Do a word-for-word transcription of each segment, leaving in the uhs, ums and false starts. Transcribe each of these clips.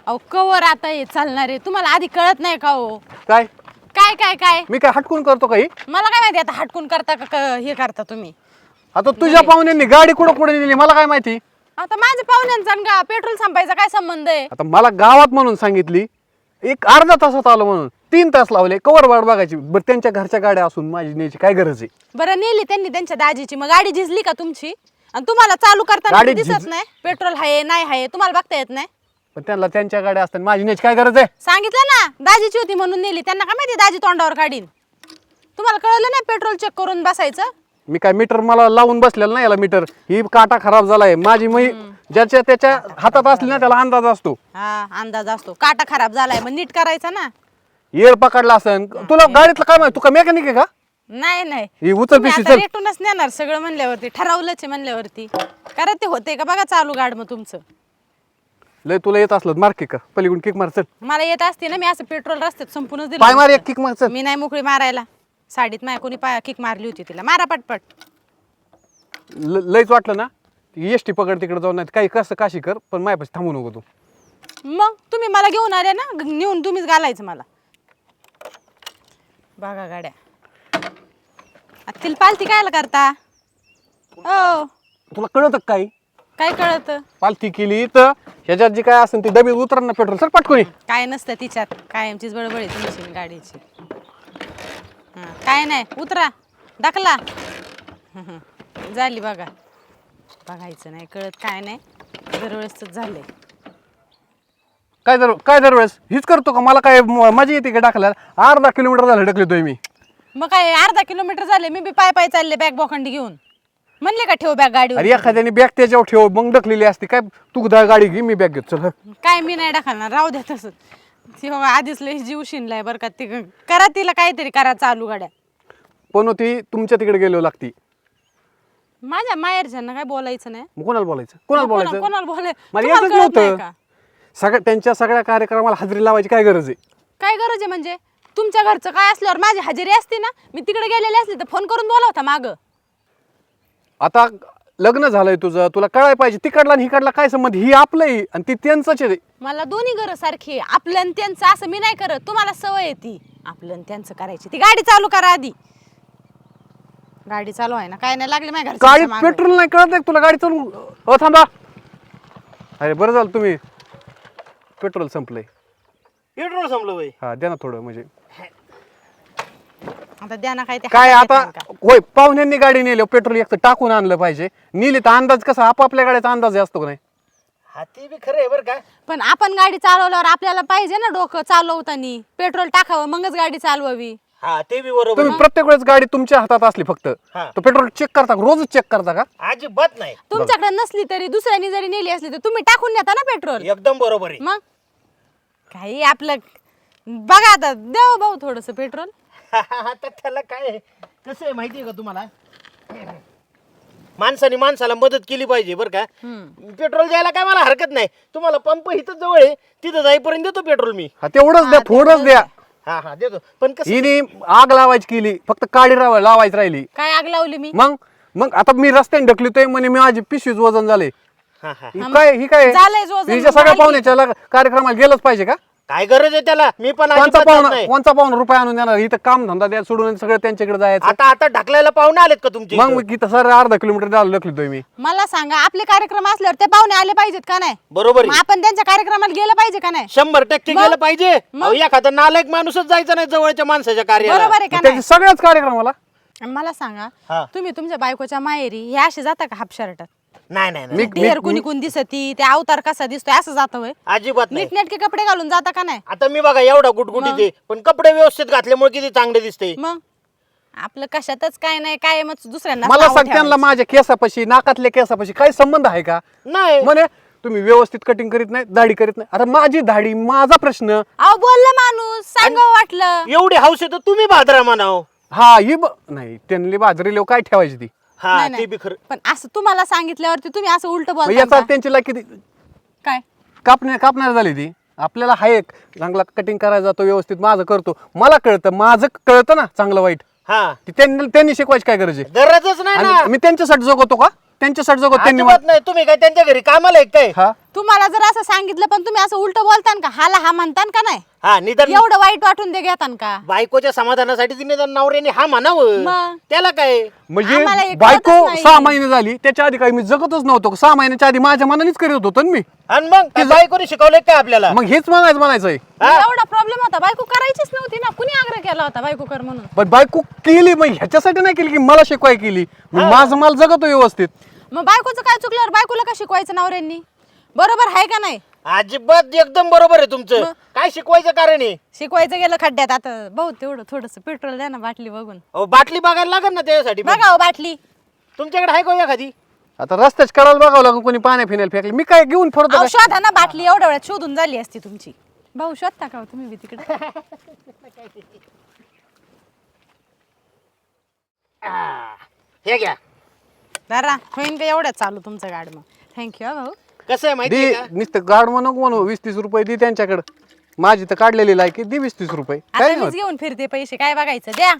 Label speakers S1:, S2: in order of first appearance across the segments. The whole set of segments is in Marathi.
S1: अहो कवर आता हे चालणार आहे, तुम्हाला आधी कळत नाही का हो?
S2: काय
S1: काय काय काय
S2: मी काय हटकून करतो काही?
S1: मला काय माहिती आता हटकून करता का क- हे करता तुम्ही?
S2: आता तुझ्या पाहुण्यांनी गाडी कुठं कुठे नेली मला काय माहिती?
S1: आता माझ्या पाहुण्यांचा आणि का पेट्रोल संपायचा काय संबंध आहे?
S2: आता मला गावात म्हणून सांगितली, एक अर्धा तासात आलो म्हणून तीन तास लावले, कवर वाट बघायची. बरं त्यांच्या घरच्या गाड्या असून माझी न्यायची काय गरज आहे?
S1: बरं नेली त्यांनी त्यांच्या दाजीची, मग गाडी झिजली का तुमची? आणि तुम्हाला चालू करताना
S2: गाडी
S1: दिसत
S2: झिज-
S1: नाही पेट्रोल आहे नाही आहे, तुम्हाला बघता येत नाही?
S2: पण त्यांना त्यांच्या गाड्या असतात, माझी न्यायची काय गरज आहे?
S1: सांगितलं ना दाजीची होती म्हणून नेली, त्यांना काय माहिती दाजी तोंडावर काढीन? तुम्हाला कळलं नाही पेट्रोल चेक करून बसायचं?
S2: मी काय मीटर मला लावून बसलेलं नाही, याला मीटर ही काटा खराब झालाय माझी. मी ज्याच्या त्याच्या हातात असली ना त्याला अंदाज असतो.
S1: हा अंदाज असतो, काटा खराब झालाय मग नीट करायचा ना.
S2: येर पकडला असन तुला गाडीतलं काय माहिती? तू का मेकॅनिक आहे का?
S1: नाही नाही
S2: ही उचल
S1: तुम्ही
S2: पिशवी
S1: आता
S2: चल.
S1: रेटूनच नेणार सगळं म्हणल्यावरती, ठरवलंच आहे म्हणल्यावरती. कारण ते होते का बघा चालू गाड मग तुमचं.
S2: लय तुला येत असलं मार किक पलीकडून किक मार चल.
S1: मला येत असते ना, मी असं पेट्रोल रस्त्यात संपूनच
S2: पाय मार
S1: दिलं.
S2: एक किक मार चल.
S1: मी नाही मोकळी मारायला. साडीत माय कोणी पाय किक मारली होती तिला, मारा पटपट.
S2: ल- लयच वाटलं ना एस टी पकड तिकडे जाऊन, नाही काही कसं काशी कर, पण माझ्यापाशी थांबू नको तू.
S1: मग तुम्ही मला घेऊन आले ना, ग- नेऊन तुम्हीच घालायचं मला. बघा गाड्या आता तिला पालती कायला करता? हो
S2: तुला कळत काही?
S1: काय कळत?
S2: पालथी केली तर ह्याच्यात जी काय असेल ती डबी उतर ना पेट्रोल सर पटकोनी.
S1: काय नसतं तिच्यात, कायमचीच बडबड आहे तुमची गाडीची. हा, काय नाही उतरा दाखला. झाली बघा. बघायचं नाही कळत काय नाही, दरवेळेस झालंय.
S2: काय दर काय दरवेळेस हीच करतो का? मला काय म- मजा येते का टाकल्याला? अर्धा किलोमीटर झालं ढकलतोय मी.
S1: मग काय अर्धा किलोमीटर झाले, मी बी पाय पाय चालले बॅग बोखंडी घेऊन. म्हणले का ठेव बॅग गाडीवर?
S2: अरे एखाद्याने बॅग त्याच्यावर ठेव मग ढकलेली असते काय? तू दा गाडी घे मी बॅग घेत चल.
S1: काय मी नाही टाकणार, राहू द्या तसंच. ती बाबा आधीच लई जीव शिनलाय बरं का. ती करा तिला काहीतरी करा चालू गाड्या.
S2: पण ती तुमच्या तिकडे गेलो लागती.
S1: माझ्या माहेरच्यांना काय बोलायचं नाही.
S2: मग कोणाला बोलायचं? कोणाला
S1: कोणा-
S2: बोलायचं?
S1: कोणाला बोलाय
S2: मला
S1: तुम्हाला
S2: येतच
S1: कळत नाही
S2: नव्हतं.
S1: का?
S2: सगळ्या त्यांच्या सगळ्या कार्यक्रमाला हजेरी लावायची काय गरज आहे?
S1: काय गरज आहे म्हणजे? तुमच्या घरचं काय असल्यावर माझी हजेरी असते ना. मी तिकडे गेलेली असली तर फोन करून बोलावता माग.
S2: आता लग्न झालंय तुझं, तुला कळायला पाहिजे तिकडला आणि हिकडला काय संबंध? ही आपलंही आणि ती त्यांचंच आहे.
S1: मला दोन्ही गरज सारखी आहे. आपलं आणि त्यांचं असं मी नाही करत. तुम्हाला सवय आहे ती आपलं आणि त्यांचं करायची. ती गाडी चालू करा आधी. गाडी चालू आहे ना, काय नाही लागले माझ्या
S2: गाडी
S1: घरच्या
S2: पेट्रोल नाही कळत आहे तुला? गाडी चालू हो थांबा. अरे बरं झालं तुम्ही पेट्रोल संपलंय.
S3: पेट्रोल संपलं बाई.
S2: हा द्या ना थोडं म्हणजे
S1: आता द्या ना काय ते
S2: काय
S1: हातात
S2: आता.
S1: येतं का?
S2: होय पाहुण्यांनी गाडी नेली पेट्रोल एक तर टाकून आणलं पाहिजे. नेली तर अंदाज कसा आपापल्या गाड्याचा अंदाज असतो का नाही?
S3: हा ते बी खरं आहे बरं का.
S1: पण आपण गाडी चालवल्यावर आपल्याला पाहिजे ना डोकं चालवताना पेट्रोल टाकावं मगच गाडी चालवावी.
S3: हा ते बी बरोबर
S2: तुम्ही
S3: आहे.
S2: प्रत्येक वेळेस गाडी तुमच्या हातात असली फक्त
S3: हा.
S2: तर पेट्रोल चेक करता का? रोजच चेक करता का?
S3: अजिबात नाही.
S1: तुमच्याकडे नसली तरी दुसऱ्यानी जरी नेली असली तर तुम्ही टाकून नेता ना पेट्रोल.
S3: एकदम बरोबर आहे.
S1: मग काही आपलं बघा आता देऊ भाऊ थोडस पेट्रोल.
S3: आता त्याला काय आहे? कसं आहे माहिती आहे का तुम्हाला? माणसाने माणसाला मदत केली पाहिजे बरं का. पेट्रोल द्यायला काय मला हरकत नाही. तुम्हाला पंप इथं जवळ आहे, तिथं जाईपर्यंत देतो पेट्रोल मी.
S2: हा तेवढंच द्या, थोडंच द्या.
S3: हा हा देतो. पण कसं
S2: हिने आग लावायची केली, फक्त काडी राव- लावायची राहिली.
S1: काय आग लावली मी?
S2: मग मग आता मी रस्त्याने ढकलतोय म्हणे मी माझी पिशवीच वजन झाले.
S3: हा हा
S2: ही काय ही काय
S1: झालंयच वजन,
S2: हिच्या सगळ्या
S1: झाली.
S2: पाहुण्याच्या लग- कार्यक्रमाला गेलंच पाहिजे का?
S3: काय गरज आहे त्याला? मी पण
S2: कोणचा
S3: अजिबात
S2: पाहुणा
S3: नाही.
S2: कोणचा पाहुणा रुपये आणून देणार? इथं काम धंदा द्या सोडून सगळं त्यांच्याकडे जायचं.
S3: आता आता ढकलायला पाहुणे आलेत का तुमचे
S2: मग
S3: इथं?
S2: मग इथं सर अर्धा किलोमीटर झालं ढकलतोय मी.
S1: मला सांगा आपले कार्यक्रम असल्यावर ते पाहुणे आले पाहिजेत का नाही?
S3: बरोबर
S1: मग
S3: आहे.
S1: आपण त्यांच्या कार्यक्रमाला गेलं पाहिजे का नाही?
S3: शंभर टक्के
S1: मग?
S3: गेलं पाहिजे.
S1: मग?
S3: अहो, एखादा नालायक माणूसच जायचा नाही जवळच्या माणसाच्या कार्याला.
S1: बरोबर आहे का नाही?
S2: त्याच्या सगळ्याच कार्यक्रमाला
S1: आणि मला सांगा
S3: हा.
S1: तुम्ही तुमच्या बायकोच्या माहेरी हे असे जाता का हाफ शर्टात?
S3: नाही नाही नाही.
S2: मी
S1: ढेर कुणी कुणी दिसती ते अवतार कसा दिसतोय असं जातं होय?
S3: अजिबात नाही.
S1: नीटनेटके कपडे घालून जाता का नाही?
S3: आता मी बघा एवढा गुटगुटी ते पण कपडे व्यवस्थित घातल्यामुळे किती चांगले दिसते.
S1: मग आपलं कशातच काय नाही काय मग दुसऱ्यांना
S2: मला
S1: नावं
S2: सांग त्यांना
S1: ठेवायची.
S2: माझ्या केसापाशी नाकातल्या केसापाशी काही संबंध आहे का?
S3: नाही
S2: म्हणे तुम्ही व्यवस्थित कटिंग करीत नाही, दाढी करीत नाही. आता माझी दाढी माझा प्रश्न.
S1: अहो बोललं माणूस सांगावं वाटलं.
S3: एवढी हौस आहे तर तुम्ही भादरा म्हणाव.
S2: हा ही ब- नाही त्यांनी बाजरी लोक काय ठेवायची ती?
S3: हा
S1: नाही,
S3: ते
S1: नाही.
S3: बी खरं.
S1: पण असं तुम्हाला सांगितल्यावरती तुम्ही असं उलट
S2: मग
S1: बोलता
S2: याचा
S1: का?
S2: त्यांची लायकी किती
S1: काय
S2: कापण्या कापणार झाली ती. आपल्याला हा एक चांगला कटिंग करायला जातो व्यवस्थित माझं करतो. मला कळतं माझं कळतं ना चांगलं वाईट.
S3: हा
S2: ती त्यांनी त्यांनी शिकवायची काय गरज आहे?
S3: गरजच नाही ना.
S2: आणि मी त्यांच्यासाठी जगवतो का? त्यांच्यासाठी जगवतो त्यांनी
S3: अजिबात नाही. तुम्ही काय त्यांच्या घरी कामाला आहे काय?
S2: हा
S1: तुम्हाला जर असं सांगितलं पण तुम्ही असं उलट बोलतान का हाला हा म्हणतान का नाही
S3: हा निदान
S1: एवढं वाईट वाटून ते घेतान का
S3: बायकोच्या समाधानासाठी तिने निदान नवऱ्याने हा म्हणावं
S1: मग?
S3: त्याला काय
S2: म्हणजे
S1: आम्हाला हे कळतच
S2: बायको
S1: नाही.
S2: सहा महिने झाली त्याच्या आधी काही मी जगतच नव्हतो सहा महिन्याच्या आधी माझ्या मनानेच करत होतो ना मी
S3: आणि मग काय बायकोने शिकवलंय काय आपल्याला
S2: मग हेच म्हणायचं म्हणायचंय
S1: एवढा प्रॉब्लेम होता बायको करायचीच नव्हती ना कुणी आग्रह केला होता बायको कर म्हणून
S2: पण बायको केली मग ह्याच्यासाठी नाही केली की मला शिकवाय केली मी माझं मला जगतो व्यवस्थित
S1: मग बायकोचं काय चुकल्यावर बायकोला का शिकवायचं नवऱ्यांनी बरोबर आहे का नाही
S3: अजिबात एकदम बरोबर आहे तुमचं काय शिकवायचं कारण आहे
S1: शिकवायचं गेलं खड्ड्यात आता भाऊ तेवढं थोडस पेट्रोल द्या ना बाटली बघून
S3: अहो, बाटली बघायला लागेल ना त्यासाठी पण.
S1: बघा हो बाटली
S3: तुमच्याकडे आहे का एखादी
S2: आता रस्त्याच करायला बघावं लागून कोणी पाण्या फिनायला फेकले मी काय घेऊन फिरतो
S1: अहो,
S2: काय?
S1: शोधा ना बाटली एवढ्या वेळात शोधून झाली असती तुमची भाऊ शोधता का हो तुम्ही बी तिकडे
S3: आ, हे घ्या
S1: जरा होईन का एवढ्यात चालू तुमचं गाड मग थँक्यू भाऊ
S3: कसं आहे माहिती
S2: दे
S3: का
S2: नुसतं गाड म्हणू नको म्हणू वीस तीस रुपये दे त्यांच्याकडे माझी तर काढलेली लायकी दे वीस तीस रुपये
S1: आता
S2: काय
S1: मीच
S2: नाही
S1: घेऊन फिरते पैसे काय बघायचं द्या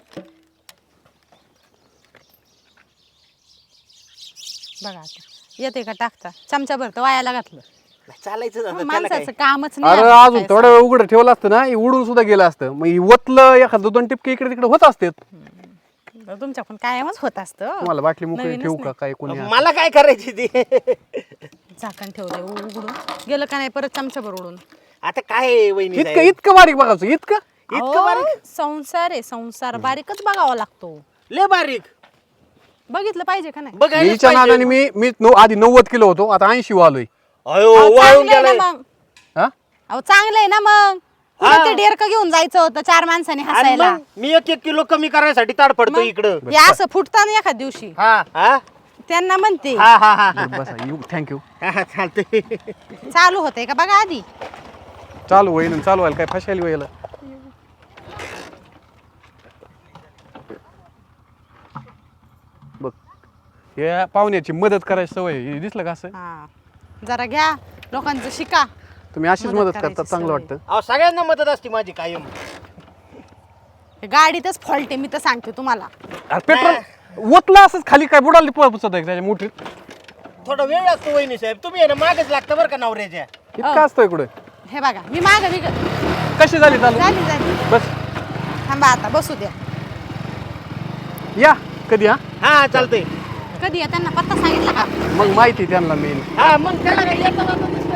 S1: बघा आता येते का टाकता चमचा भरतं वायाला घातलं
S3: चालायचं जातं, त्याला काय?
S1: माणसाचं कामच
S2: होत. अरे
S1: नाही
S2: अजून थोडा वेळ उघडं ठेवलं असतं ना हे उडून सुद्धा गेलं असतं मग हे वतलं एखादं दोन टिपके इकडे तिकडे होत असते
S1: तुमच्या पण कायमच होत असतं
S2: तुम्हाला बाटली मोकळी
S1: नवीनच
S2: ठेवू का
S1: नाही.
S2: काय कोणी
S3: मला काय करायची ती
S1: झाकण ठेवलंय उघडून गेलं का नाही परत चमचाभर उडून
S3: आता काय आहे, वहिनी
S2: इतकं
S3: साहेब?
S2: इतकं बारीक बघायचं इतकं
S3: इतकं
S1: अहो,
S3: बारीक
S1: संसार आहे संसार बारीकच बघावा लागतो
S3: लय बारीक
S1: बघितलं पाहिजे का नाही
S3: बघायलाच
S2: हिच्या
S3: पाहिजे.
S2: नादाने मी मी नऊ- आधी नव्वद किलो होतो आता ऐंशी वालोय
S3: अयो
S1: अहो,
S3: वाळून
S1: चांगलं आहे
S3: गेलाय
S1: ना मग
S2: हा
S1: अहो चांगलं आहे ना मग
S3: हा.
S1: पुढे ते डेरकं घेऊन जायचं होतं चार माणसाने
S3: आणि
S1: हसायला
S3: मग मी एक एक किलो कमी करायसाठी ताड पडतो इकडं
S1: हे असं फुटताना एखाद दिवशी
S3: हा हा
S1: त्यांना म्हणते
S3: हा हा हा हा.
S2: बसा यू थँक्यू
S3: हा, चालतंय
S1: चालू होतंय का बघा आधी
S2: चालू होईल आणि चालू व्हायला काय फशाली व्हायला बघ या पाहुण्याची मदत करायची सवय आहे. हे दिसलं का असं
S1: हा जरा घ्या लोकांचं शिका
S2: तुम्ही अशीच
S1: मदत
S2: मदत
S1: करायची
S2: करता चांगलं
S1: सवय.
S2: वाटतं
S3: अहो सगळ्यांना मदत असते माझी कायम
S1: हे गाडीतच फॉल्ट आहे मी तर सांगते तुम्हाला
S2: अरे पेट्रोल ओतलं असंच खाली काय बुडाली पोचत आहे त्याच्या मोठीत
S3: थोडा वेळ लागतो वहिनी साहेब तुम्ही आहे ना मागच लागतं बरं का नवऱ्याच्या
S2: इतकं असतोय कुठे
S1: हे बघा मी माग मी
S2: कशी झाली चालू
S1: झाली झाली
S2: बस
S1: थांबा आता बसू द्या
S2: या कधी हा
S3: हा चालतंय
S1: कधी आहे त्यांना पत्ता सांगितला का
S2: मग माहिती त्यांना मेन
S3: हा मग त्याला काय येतं जातं दिसतं.